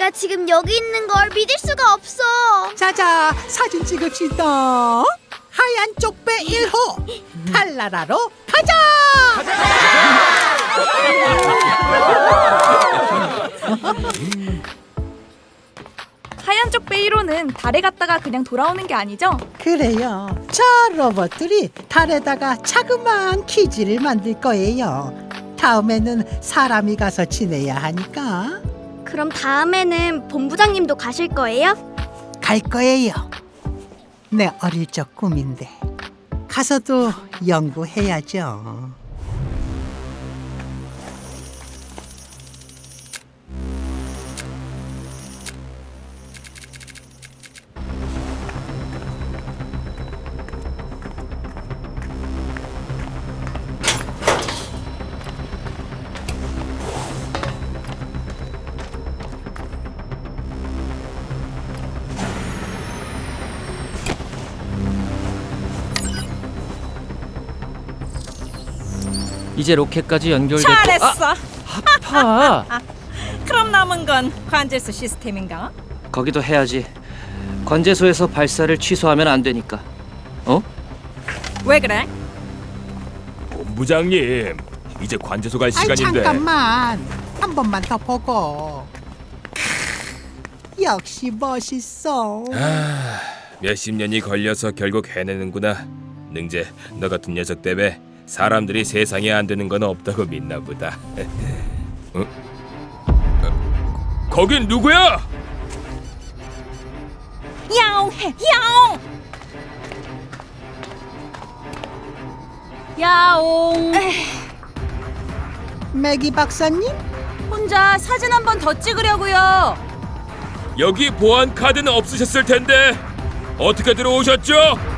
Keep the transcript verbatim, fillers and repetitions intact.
내가 지금 여기 있는 걸 믿을 수가 없어. 자자, 사진 찍읍시다. 하얀 쪽배 일 호 달나라로 가자. 하얀 쪽배 일 호는 달에 갔다가 그냥 돌아오는 게 아니죠? 그래요. 저 로봇들이 달에다가 자그마한 기지를 만들 거예요. 다음에는 사람이 가서 지내야 하니까 그럼 다음에는 본부장님도 가실 거예요? 갈 거예요. 내 어릴 적 꿈인데 가서도 연구해야죠. 이제 로켓까지 연결됐고. 잘했어. 아, 아파. 그럼 남은 건 관제수 시스템인가? 거기도 해야지. 관제소에서 발사를 취소하면 안 되니까. 어? 왜 그래? 본부장님, 이제 관제소 갈 아이 시간인데. 잠깐만, 한 번만 더 보고. 크, 역시 멋있어. 아, 몇십 년이 걸려서 결국 해내는구나. 능재, 너 같은 녀석 때문에 사람들이 세상에 안 되는 건 없다고 믿나 보다. 어? 어, 거긴 누구야? 야옹해, 야옹! 야옹. 매기 박사님? 혼자 사진 한 번 더 찍으려고요. 여기 보안 카드는 없으셨을 텐데 어떻게 들어오셨죠?